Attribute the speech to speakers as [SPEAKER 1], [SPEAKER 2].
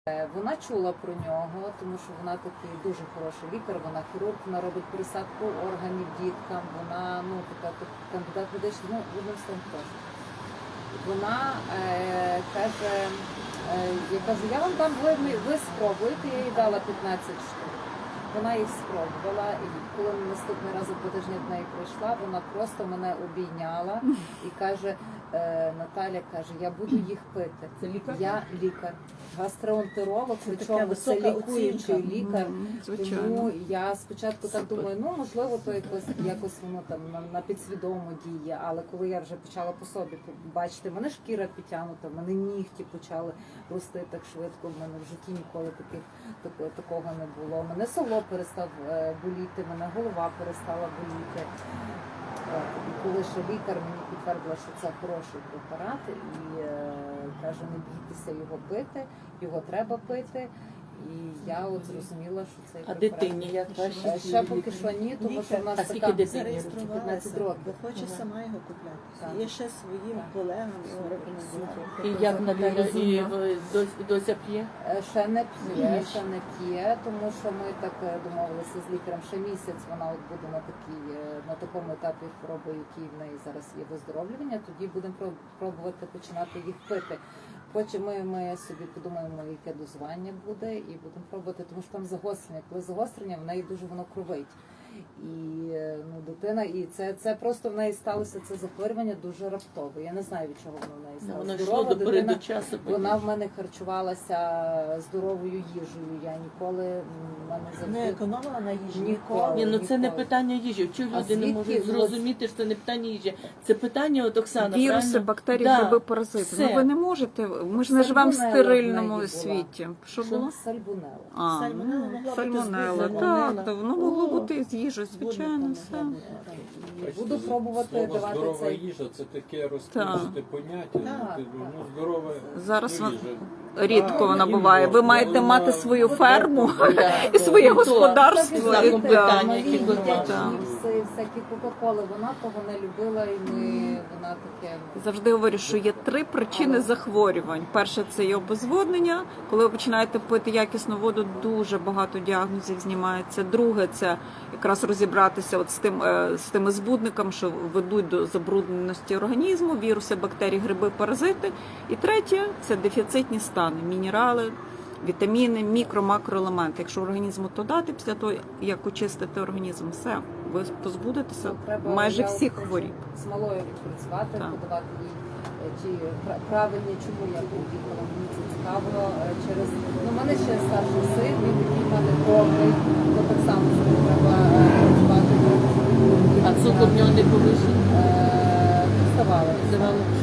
[SPEAKER 1] Вона чула про нього, тому що вона такий дуже хороший лікар, вона хірург, вона робить пересадку органів діткам, вона така кандидат медичний, одним словом теж. Вона каже, я кажу, я вам дам, ви спробуйте, я їй дала 15 штук. Вона їх спробувала, і коли наступний раз за 2 тижні до неї прийшла, вона просто мене обійняла і каже, Наталя каже, я буду їх пити.
[SPEAKER 2] Це лікар?
[SPEAKER 1] Я лікар, гастроентеролог, причому це лікуючий лікар. Тому я спочатку так думаю, можливо, то якось воно там на підсвідомо діє, але коли я вже почала по собі бачити, в мене шкіра підтягнута, в мене нігті почали рости так швидко, в мене в житті ніколи такого не було. Мене село перестав боліти, мене голова перестала боліти. І коли ще лікар мені підтвердила, що це хороший препарат, і каже, не бійтеся його пити, його треба пити. І я от зрозуміла, що цей препарат...
[SPEAKER 2] А дитині як ваші?
[SPEAKER 1] Ще поки що ні, тому що в нас
[SPEAKER 2] скільки
[SPEAKER 1] така
[SPEAKER 2] дитині?
[SPEAKER 1] 15 років.
[SPEAKER 3] Бо хоче сама його купляти. Є ще своїм колегам його рекомендувати.
[SPEAKER 2] І як Наталя, і Дося п'є?
[SPEAKER 1] Ще не п'є, тому що ми так домовилися з лікарем, ще місяць вона от буде на такому етапі хвороби, який в неї зараз є виздоровлювання, тоді будемо пробувати починати їх пити. Потім ми собі подумаємо, яке дозування буде, і будемо пробувати, тому що там загострення. Коли загострення, в неї дуже воно кровить. І дитина, і це просто в неї сталося це захворювання дуже раптово. Я не знаю, від чого воно в неї сталося.
[SPEAKER 2] Воно йшло до переду часу.
[SPEAKER 1] Вона в мене харчувалася здоровою їжею. Я ніколи
[SPEAKER 3] не економила на їжі.
[SPEAKER 1] Ніколи.
[SPEAKER 2] Це не питання їжі. Чого люди не можуть зрозуміти, що це не питання їжі? Це питання, от Оксана,
[SPEAKER 4] віруси, бактерії, гриби, паразити. Ви не можете. Ми ж не живемо в стерильному світі. Що було?
[SPEAKER 1] Сальмонелла.
[SPEAKER 4] Сальмонелла. Так, воно могло бути з їжею, звичайно, все.
[SPEAKER 1] Буду пробувати давати
[SPEAKER 5] здорова
[SPEAKER 1] цей...
[SPEAKER 5] їжа – це таке розкрите поняття. Здорова
[SPEAKER 4] Зараз
[SPEAKER 5] їжа.
[SPEAKER 4] рідко вона буває. Ви маєте мати свою ферму і своє господарство.
[SPEAKER 1] Мої дитячі чіпси, всякі кока-коли, вона того не любила, і вона таке...
[SPEAKER 4] Завжди говорю, що є 3 причини захворювань. Перше – це є обезводнення. Коли ви починаєте пити якісну воду, дуже багато діагнозів знімається. Друге – це якраз розібратися от з тими збудниками, що ведуть до забрудненості організму, віруси, бактерії, гриби, паразити. І третє – це дефіцитні стани, мінерали, вітаміни, макроелементи. Якщо організму то дати після того, як очистити організм, все, ви позбудетеся майже всіх хворіб.
[SPEAKER 1] З малою відпрацювати, подавати їй ті правильні, чому я поїхала, мені це цікаво. Через в мене ще старший син, він такий в мене повний, то так само треба працювати.
[SPEAKER 2] А цукор в нього не повищений?
[SPEAKER 1] Здавали.